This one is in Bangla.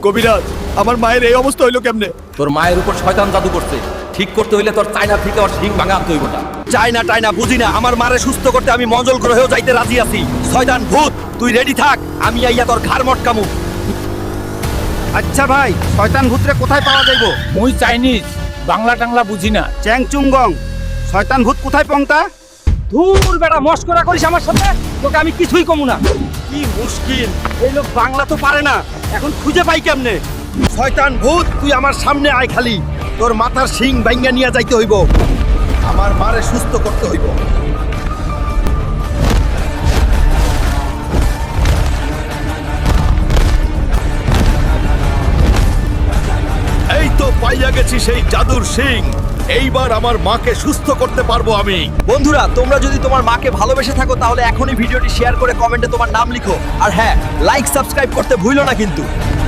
কবিরাজ, আমার মায়ের এই অবস্থা হইলো কেমনে? তোর মায়ের উপর শয়তান জাদু করছে। ঠিক করতে হইলে তোর চায়না থেকে ওর শিং ভাঙা আনতে হইব না। চাইনা টাইনা বুঝি না, আমার মারে সুস্থ করতে আমি মঙ্গল গ্রহেও যাইতে রাজি আছি। শয়তান ভূত, তুই রেডি থাক, আমি আইয়া তোর ঘাড় মটকামু। আচ্ছা ভাই, শয়তান ভূতরে কোথায় পাওয়া যাইব? মুই চাইনিজ, বাংলা টাংলা বুঝি না। চ্যাং চুংগং, শয়তান ভূত কোথায় পংতা? ধুর বেটা, মস্করা করিস আমার সাথে, তোকে আমি কিছুই কমু না। কি মুশকিল, এই লোক বাংলা তো পারে না, এখন খুঁজে পাই কেমনে? শয়তান ভূত, তুই আমার সামনে আয় খালি, তোর মাথার শিং বাইঙ্গা নিয়ে যাইতে হইব, আমার মারে সুস্থ করতে হইব। এই তো পাইয়া গেছি সেই জাদুর শিং, এইবার আমার মাকে সুস্থ করতে পারবো আমি। বন্ধুরা, তোমরা যদি তোমার মাকে ভালোবেসে থাকো তাহলে এখনই ভিডিওটি শেয়ার করে কমেন্টে তোমার নাম লিখো, আর হ্যাঁ, লাইক সাবস্ক্রাইব করতে ভুলো না কিন্তু।